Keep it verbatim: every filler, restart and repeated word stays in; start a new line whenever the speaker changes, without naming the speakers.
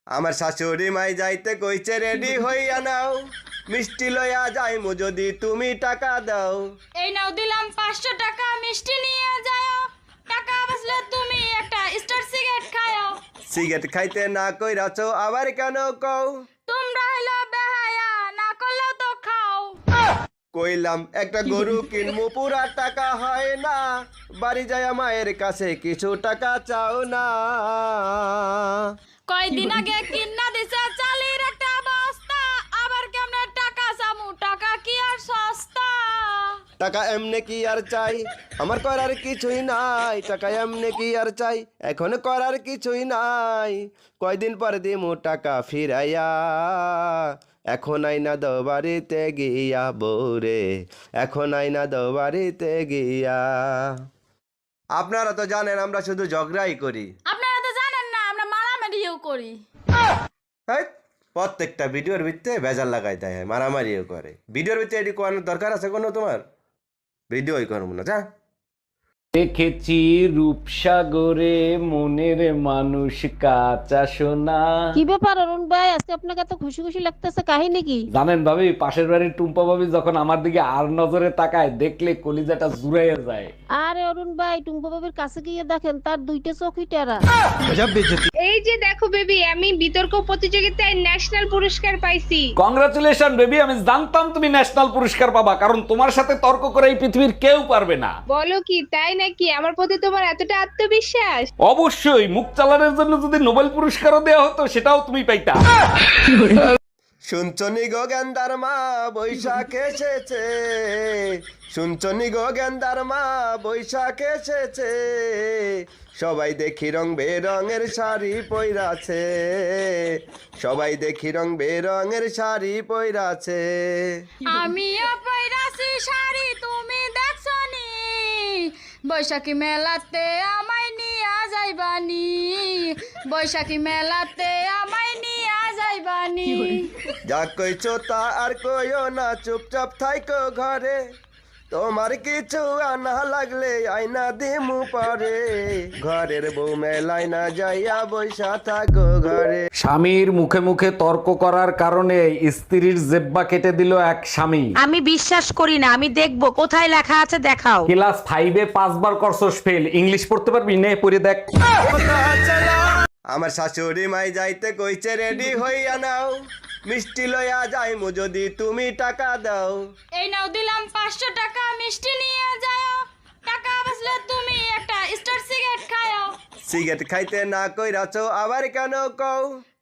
আমার শাশুড়ি মাই যাইতে কইছে রেডি হইয়া নাও, মিষ্টি লইয়া যাইমু যদি তুমি টাকা দাও।
এই নাও দিলাম পাঁচশো টাকা, মিষ্টি নিয়ে যাও। টাকা বাঁচলে তুমি একটা স্টার সিগারেট খাও।
সিগারেট খাইতে না কইরাছো আবার কেন কও?
তোমরা হইলো বেহায়া, না করলেও তো খাও।
কইলাম একটা গরু কিনমু, পুরা টাকা হয় না, বাড়ি যায় মায়ের কাছে কিছু টাকা চাও না।
কয়দিন আগে কিনা দিছে চালের একটা বস্তা, আবার কেমনে টাকা চামু? টাকা কি আর সস্তা?
টাকা এমনে কি আর চাই, আমার করার কিছুই নাই। টাকা এমনে কি আর চাই, এখন করার কিছুই নাই। কয়দিন পর দিমু টাকা ফিরাইয়া, এখন আইনা দো বাড়িতে গিয়া বউরে, এখন আইনা দো বাড়িতে গিয়া। আপনারা তো জানেন আমরা শুধু ঝগড়াই করি।
আপনারা তো জানেন না আমরা মারামারিও করি।
হ্যাঁ, প্রত্যেকটা ভিডিওর ভিতরে বেজার লাগাই দেয়, মারামারিও করে। ভিডিওর ভিতরে এটি করানোর দরকার আছে কোনো তোমার? ভিডিওই করবো না, যা।
দেখেছি রূপসাগরে মনের মানুষ কাঁচা সোনা।
কি ব্যাপার অরুণ ভাই, আজকে আপনাকে এত খুশি খুশি লাগতেছে, কাহিনী কি?
জানেন ভাবি, পাশের বাড়ির টুম্পা ভাবি যখন আমার দিকে আর নজরে তাকায়, দেখলে কলিজাটা জুড়াইয়া যায়।
আরে অরুণ ভাই, টুম্পা বাবির কাছে গিয়ে দেখেন তার দুইটা চোখই টেরা।
এই যে দেখো বেবি, আমি বিতর্ক প্রতিযোগিতায় ন্যাশনাল পুরস্কার পাইছি।
কংগ্রাচুলেশন বেবি, আমি জানতাম তুমি ন্যাশনাল পুরস্কার পাবা, কারণ তোমার সাথে তর্ক করে এই পৃথিবীর কেউ পারবে না।
বলো কি, তাই নাকি? আমার প্রতি তোমার এতটা আত্মবিশ্বাস?
অবশ্যই, মুখ চালানোর জন্য যদি নোবেল পুরস্কারও দেওয়া হতো সেটাও তুমি পাইতা।
শুনছনি গো গেন্দার মা বৈশাখ এসেছে, শুনছনি গো গেন্দার মা বৈশাখ এসেছে, সবাই দেখি রং বেরঙের শাড়ি পইরাছে, সবাই দেখি রং বেরঙের শাড়ি পইরাছে।
আমিও পয়রাছি শাড়ি, তুমি দেখছো নি? বৈশাখী মেলাতে আমায় নিয়া যাইবানি, বৈশাখী মেলাতে আমায় নিয়া যাইবানি।
যা কইছো তা আর কইও না, চুপচাপ থাইকো ঘরে, তোমার কিছু আনা লাগলে আইনা দিমু পরে, ঘরের বউ মেলায় না যাইয়া বৈশা থাকো ঘরে।
স্বামীর মুখে মুখে তর্ক করার কারণে স্ত্রীর জেব্বা কেটে দিল এক স্বামী।
আমি বিশ্বাস করি না, আমি দেখবো কোথায় লেখা আছে, দেখাও।
ক্লাস ফাইভে পাঁচবার করছস ফেল, ইংলিশ পড়তে পারবি? নে পড়ে দেখ।
আমার শাশুড়ি মাই যাইতে কইছে রেডি হইয়া নাও, মিষ্টি লইয়া যাইমু যদি তুমি টাকা দাও।
এই নাও দিলাম পাঁচশো টাকা, মিষ্টি নিয়ে যাও। টাকা বাঁচলে তুমি একটা স্টার সিগারেট খাও।
সিগারেট খাইতে না কইরাছো আবার কেন কও?